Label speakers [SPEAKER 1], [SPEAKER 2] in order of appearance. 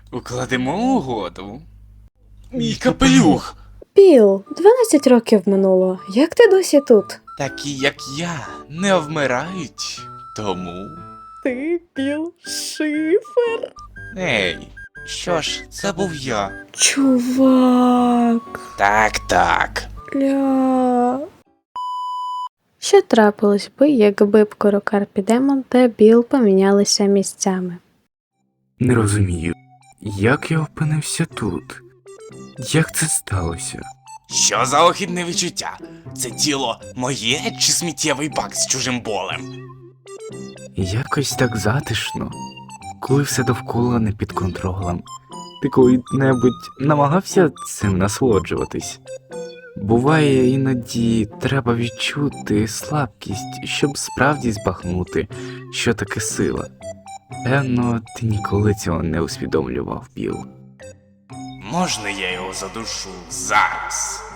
[SPEAKER 1] Укладемо угоду. Мій капелюх!
[SPEAKER 2] Біл, 12 років минуло. Як ти досі тут?
[SPEAKER 1] Такі, як я, не вмирають. Тому.
[SPEAKER 2] Ти Біл Шифер?
[SPEAKER 1] Ей, що ж, це був я.
[SPEAKER 2] Чувак.
[SPEAKER 1] Так.
[SPEAKER 2] Ля. Що трапилось би, якби б Карпі Демон та Біл помінялися місцями?
[SPEAKER 3] Не розумію, як я опинився тут? Як це сталося?
[SPEAKER 1] Що за охідне відчуття? Це тіло моє чи сміттєвий бак з чужим болем?
[SPEAKER 3] Якось так затишно, коли все довкола не під контролем. Ти коли-небудь намагався цим насолоджуватись? Буває, іноді треба відчути слабкість, щоб справді збагнути, що таке сила. Певно, ти ніколи цього не усвідомлював, Біл.
[SPEAKER 1] Можна я його задушу зараз?